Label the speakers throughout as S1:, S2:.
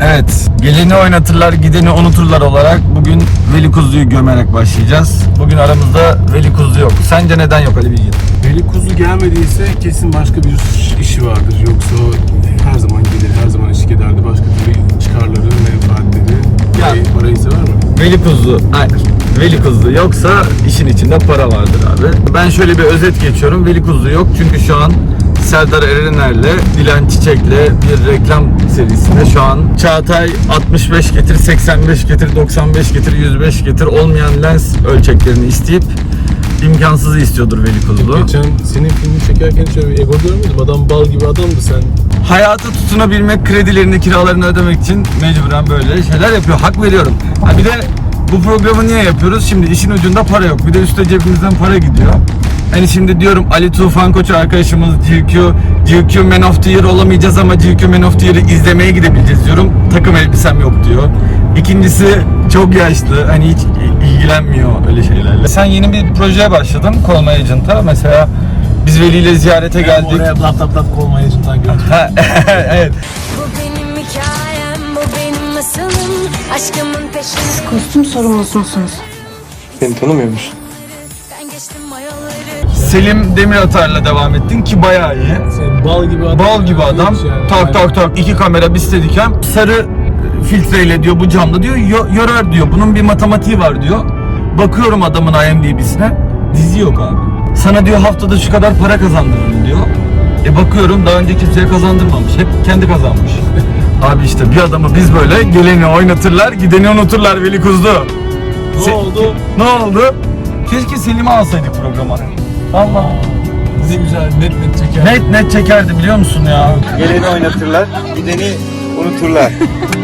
S1: Evet, geleni oynatırlar, gideni unuturlar olarak bugün Veli Kuzu'yu gömerek başlayacağız. Bugün aramızda Veli Kuzu yok. Sence neden yok Ali Bilgin?
S2: Veli Kuzu gelmediyse kesin başka bir işi vardır. Yoksa o her zaman gelir, her zaman eşlik ederdi. Başka türlü çıkarları, menfaatleri, parayı sever mi?
S1: Veli Kuzu, hayır. Veli Kuzu yoksa işin içinde para vardır abi. Ben şöyle bir özet geçiyorum. Veli Kuzu yok çünkü şu an Serdar Erener'le Dilan Çiçek'le bir reklam serisinde şu an Çağatay 65 getir, 85 getir, 95 getir, 105 getir olmayan lens ölçeklerini isteyip imkansızı istiyordur Veli Kuzu.
S2: Geçen senin filmi çekerken şöyle bir ego görmedim. Adam bal gibi adamdı sen.
S1: Hayata tutunabilmek, kredilerini, kiralarını ödemek için mecburen böyle şeyler yapıyor. Hak veriyorum. Ha bir de bu programı niye yapıyoruz? Şimdi işin ucunda para yok. Bir de üstte cebimizden para gidiyor. Hani şimdi diyorum Ali Tufan Koç arkadaşımız GQ Man of the Year olamayacağız ama GQ Man of the Year'ı izlemeye gidebileceğiz diyorum. Takım elbisem yok diyor. İkincisi çok yaşlı. Hani hiç ilgilenmiyor öyle şeylerle. Sen yeni bir projeye başladın. Call My Agent'a. Mesela biz Veli ile ziyarete geldik.
S2: Oraya lap Call My Agent'tan gördüm.
S1: Evet.
S3: Bu benim hikayem, bu benim masalım. Aşkımın peşinde.
S4: Kostüm sorumlusu musunuz?
S2: Beni tanımıyormuş.
S3: Ben geçtim mayaları.
S1: Selim Demiratar'la devam ettin ki bayağı iyi.
S2: Sen bal gibi adam.
S1: Bal gibi adam.
S2: Yani.
S1: Tak tak tak. İki kamera bir steadicam. Sarı filtreyle diyor bu camda diyor yorar diyor. Bunun bir matematiği var diyor. Bakıyorum adamın IMDb'sine. Dizi yok abi. Sana diyor haftada şu kadar para kazandırırım diyor. Bakıyorum daha önce kimseye kazandırmamış. Hep kendi kazanmış. Abi işte bir adamı biz böyle geleni oynatırlar, gideni unuturlar Veli Kuzu.
S2: Ne oldu?
S1: Ne oldu? Keşke Selim'i alsaydık programa. Allah.
S2: Dizi güzel, net çeker.
S1: Net çekerdi biliyor musun ya?
S5: Geleni oynatırlar, gideni unuturlar.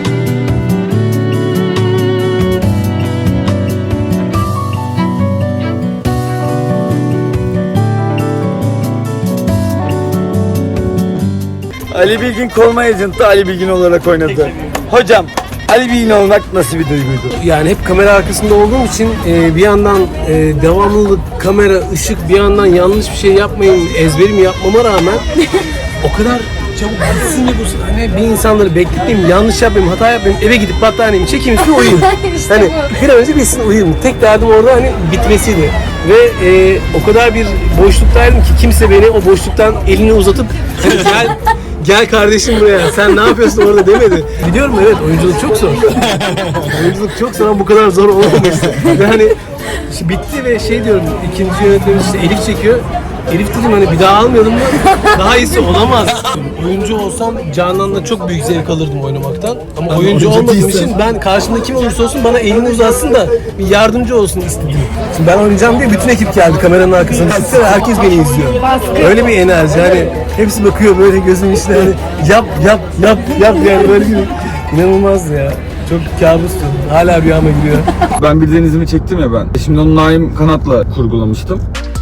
S1: Ali Bilgin Call My Agent'ta Ali Bilgin olarak oynadı. Hocam, Ali Bilgin olmak nasıl bir duyguydu?
S2: Yani hep kamera arkasında olduğum için bir yandan devamlılık, kamera, ışık, bir yandan yanlış bir şey yapmayayım, ezberimi yapmama rağmen o kadar çabuk bitsin ki bu hani bir insanları bekletmeyeyim, yanlış yapmayayım, hata yapmayayım, eve gidip battaniyemi çekeyim üstüne uyuyayım. Hani bir an önce bitsin uyuyayım. Tek derdim orada hani bitmesiydi. Ve o kadar bir boşluktaydım ki kimse beni o boşluktan elini uzatıp hani gel kardeşim buraya, sen ne yapıyorsun orada demedi. Biliyorum evet, oyunculuk çok zor. Oyunculuk çok zor ama bu kadar zor olmaması. Ve hani işte bitti ve şey diyorum, ikinci yönetmenimiz işte Elif çekiyor. Elif dedim hani bir daha almayalım mı? Daha iyisi olamaz. Oyuncu olsam Canan'la çok büyük zevk alırdım oynamaktan. Ama oyuncu olmadığım için ben karşımda kim olursa olsun bana elini uzatsın da bir yardımcı olsun istedim. Şimdi ben oynayacağım diye bütün ekip geldi kameranın arkasına. Ve herkes beni izliyor. Öyle bir enerji hani hepsi bakıyor böyle gözümün içine hani yap yani böyle gibi. İnanılmazdı ya. Çok kabustu. Hala rüyama giriyor.
S1: Ben bir denizimi çektim ya ben. Şimdi onu Naim Kanat'la kurgulamıştım.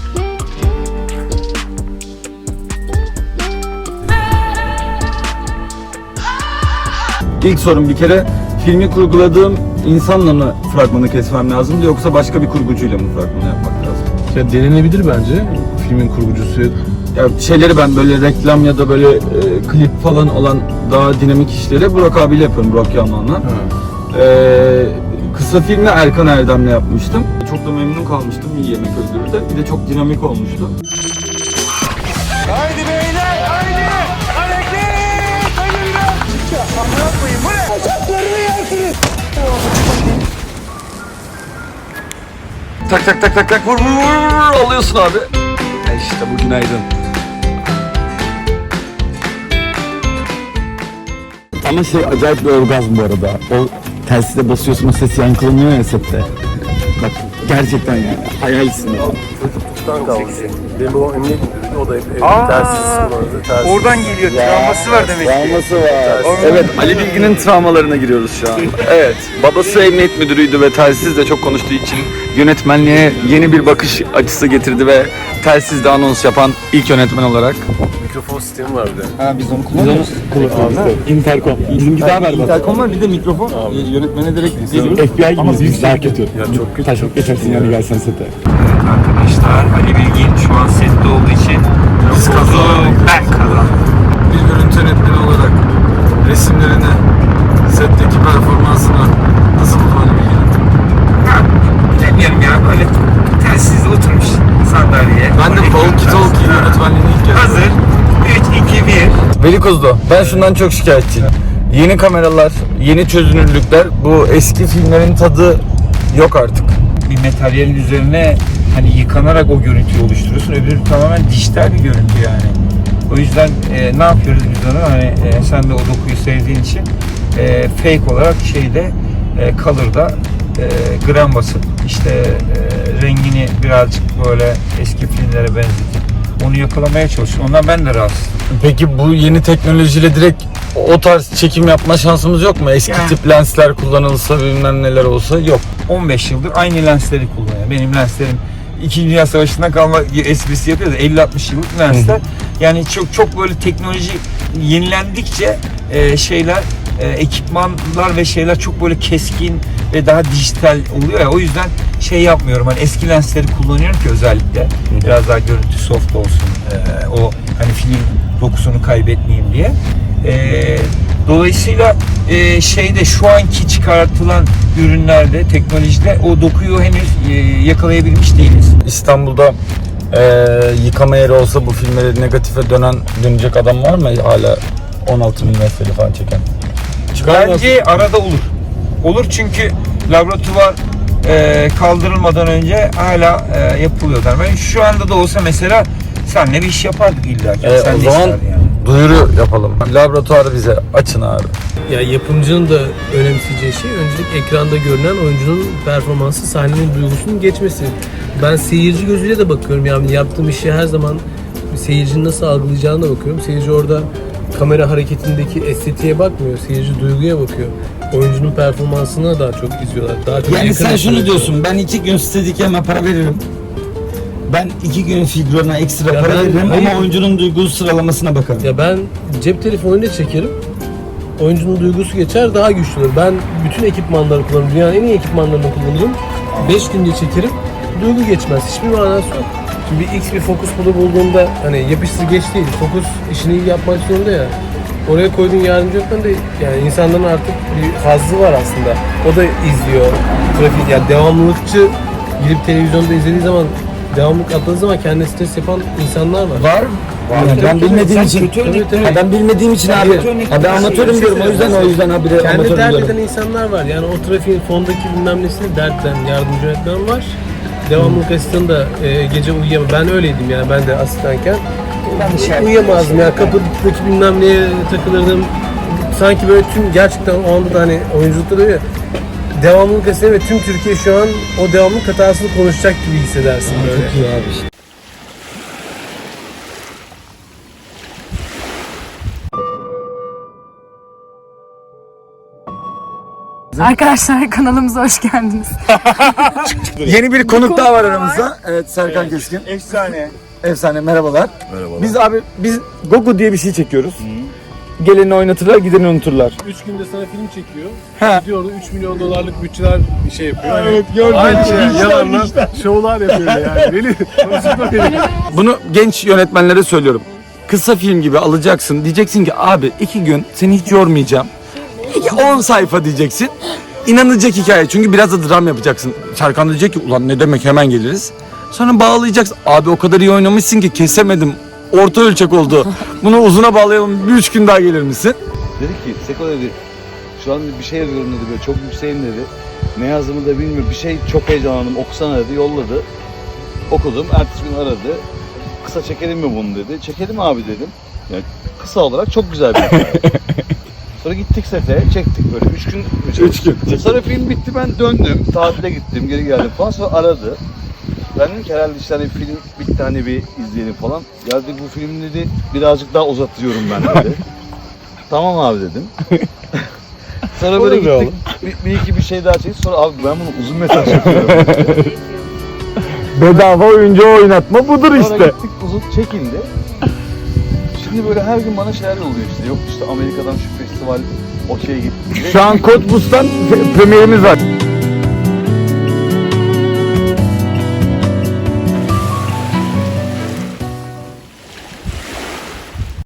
S1: İlk sorum bir kere filmi kurguladığım insanla mı fragmanı kesmem lazımdı yoksa başka bir kurgucuyla mı fragmanı yapmak lazım?
S2: Ya denenebilir bence filmin kurgucusu.
S1: Ya şeyleri ben böyle reklam ya da böyle klip falan olan daha dinamik işleri Burak abiyle yapıyorum, Burak Yaman'la. Kısa filmi Erkan Erdem'le yapmıştım. Çok da memnun kalmıştım, iyi yemek öldürürde. Bir de çok dinamik olmuştu.
S5: Haydi beyler, haydi! Hareket! Haydi biraz! Aman yapmayın, bu ne? Bacaklarını yersiniz!
S1: Tak vur alıyorsun abi. İşte bu günaydın.
S6: Ama acayip bir orgazm bu arada. O telsize basıyorsun, o ses yankılanıyor ya sette. Bak gerçekten yani hayalsin.
S2: Benim o emniyet müdürüydü, o da hep
S5: Oradan geliyor, travması var demek ki.
S1: Travması var. Evet, Ali Bilgin'in travmalarına giriyoruz şu an. Evet, babası emniyet müdürüydü ve telsizle çok konuştuğu için yönetmenliğe yeni bir bakış açısı getirdi ve telsizle anons yapan ilk yönetmen olarak.
S2: mikrofon sistemi var bir de.
S1: Ha biz onu kullanıyoruz.
S6: Intercom. Bizimki daha berbat.
S1: Intercom var bir de mikrofon. Yönetmene direkt
S6: FBI gibi biz daha kötü.
S2: Ya çok kötü.
S6: Taşıp geçersin yani gelsen sete.
S1: Arkadaşlar Ali Bilgin şu an sette olduğu için biz kazandık. Ben kazandım. Bir görüntü yönetmeni olarak resimlerini set Kuzlu, ben şundan çok şikayetçiyim. Yeni kameralar, yeni çözünürlükler, bu eski filmlerin tadı yok artık.
S4: Bir materyalin üzerine hani yıkanarak o görüntüyü oluşturuyorsun. Öbürü tamamen dijital bir görüntü yani. O yüzden ne yapıyoruz biz onu? Hani sen de o dokuyu sevdiğin için fake olarak şeyde Color'da gram basıp işte rengini birazcık böyle eski filmlere benzetip onu yakalamaya çalışıyorum. Ondan ben de rahatsızım.
S1: Peki bu yeni teknolojiyle direkt o tarz çekim yapma şansımız yok mu? Eski
S4: Yani.
S1: tip lensler kullanılsa, bilmem neler olsa yok.
S4: 15 yıldır aynı lensleri kullanıyor. Benim lenslerim 2. Dünya Savaşı'ndan kalma esprisi yapıyoruz. 50-60 yıllık lensler. Yani çok böyle teknoloji yenilendikçe şeyler, ekipmanlar ve şeyler çok böyle keskin ve daha dijital oluyor ya. O yüzden şey yapmıyorum. Hani eski lensleri kullanıyorum ki özellikle biraz daha görüntü soft olsun. O hani film dokusunu kaybetmeyeyim diye. Dolayısıyla şeyde şu anki çıkartılan ürünlerde, teknolojide o dokuyu henüz yakalayabilmiş değiliz.
S1: İstanbul'da yıkama yeri olsa bu filmleri negatife dönecek adam var mı hala 16 milimetreli falan çeken?
S4: Bence arada olur. Olur çünkü laboratuvar kaldırılmadan önce hala yapılıyorlar. Ben şu anda da olsa mesela senle bir iş yapardık illa ki. Sen
S1: O
S4: de
S1: zaman
S4: isterdin yani.
S1: duyuru yapalım. Laboratuvarı bize açın abi.
S2: Ya yapımcının da önemseyeceği şey öncelik ekranda görünen oyuncunun performansı, sahnenin duygusunun geçmesi. Ben seyirci gözüyle de bakıyorum, yani yaptığım işi her zaman seyircinin nasıl algılayacağına da bakıyorum. Seyirci orada kamera hareketindeki estetiğe bakmıyor, seyirci duyguya bakıyor. Oyuncunun performansına daha çok izliyorlar. Daha çok
S6: Yani
S2: yakın
S6: sen şunu
S2: izliyorlar.
S6: diyorsun, ben 2 gün Steadicam'e para veririm. Ben 2 gün figürüne ekstra
S2: Ya
S6: para
S2: ben-
S6: veririm
S2: hayır.
S6: ama oyuncunun duygu sıralamasına bakarım.
S2: Ya ben cep telefonuyla çekerim. Oyuncunun duygusu geçer, daha güçlü olur. Ben bütün ekipmanları kullanırım. Dünyanın en iyi ekipmanlarını kullanırım. 5 günde çekerim. Duygu geçmez. Hiçbir manası yok. Şimdi bir X bir fokus bulu bulduğunda hani yapıştır geç değil. Fokus işini iyi yapmak zorunda ya. Oraya koyduğun yardımcı yoktan da yani insanların artık bir hazzı var aslında. O da izliyor. Trafik yani devamlılıkçı gidip televizyonda izlediği zaman devamlılık atladığı zaman kendine stres yapan insanlar var.
S1: Var.
S6: Yani ben bilmediğim için,
S2: Tabii.
S6: ha ben bilmediğim için abi, ha ben amatörüm diyorum o yüzden habire
S2: Kendi
S6: amatörüm
S2: dert
S6: diyorum.
S2: eden insanlar var. Yani o trafiğin fondaki bilmem nesini dert eden yardımcı yönetmen var. Devamlılık asistanı da gece uyuyamam. Ben öyleydim yani, ben de asistanken. Uyuyamazdım ya, kapıdaki bilmem neye takılırdım. Sanki böyle tüm gerçekten o anda da hani oyunculukta da öyle. Devamlılık asistanı ve tüm Türkiye şu an o devamlılık hatasını konuşacak gibi hissedersin böyle.
S6: Çok iyi abi.
S7: Arkadaşlar kanalımıza hoş geldiniz.
S1: Yeni bir konuk daha var aramızda. Evet, Serkan Keskin.
S4: Efsane.
S1: Efsane, merhabalar. Merhabalar. Biz Gogo diye bir şey çekiyoruz. Geleni oynatırlar, gideni unuturlar.
S2: 3 günde sana film çekiyor.
S1: He.
S2: Gidiyor orada 3 milyon dolarlık bütçeler bir şey yapıyor.
S1: Evet, gördüm.
S2: Aynı şey yalanla şovlar yapıyor yani. Beni konuşma beni.
S1: Bunu genç yönetmenlere söylüyorum. Kısa film gibi alacaksın. Diyeceksin ki abi 2 gün seni hiç yormayacağım. 10 sayfa diyeceksin. İnanılacak hikaye. Çünkü biraz da dram yapacaksın. Serkan diyecek ki ulan ne demek, hemen geliriz. Sonra bağlayacaksın. Abi o kadar iyi oynamışsın ki kesemedim. Orta ölçek oldu. Bunu uzuna bağlayalım. Bir 3 gün daha gelir misin?
S8: Dedi ki Seko dedi şu an bir şey yazıyorum dedi, böyle çok yükseğim dedi. Ne yazdığımı da bilmiyorum, bir şey çok heyecanlandım, okusana dedi, yolladı. Okudum, ertesi gün aradı. Kısa çekelim mi bunu dedi. Çekelim abi dedim. Yani kısa olarak çok güzel bir hikaye. Sonra gittik sete, çektik böyle 3 gün.
S1: 3 gün.
S8: Sonra film bitti, ben döndüm, tatile gittim, geri geldim falan. Sonra aradı. Ben dedim ki herhalde işte hani film bitti, hani bir izleyelim falan. Ya dedi bu film dedi birazcık daha uzatıyorum ben dedi. Tamam abi dedim. Sonra böyle gittik, bir iki bir şey daha çektik. Sonra abi ben bunu uzun metraj yapıyorum.
S1: Bedava oyuncu oynatma budur
S8: Sonra
S1: işte.
S8: gittik, uzun çekildi. Şimdi böyle her gün bana şeyler oluyor işte. Yok işte Amerika'dan şu festival okey gitti.
S1: Şu an Cottbus'tan premierimiz var.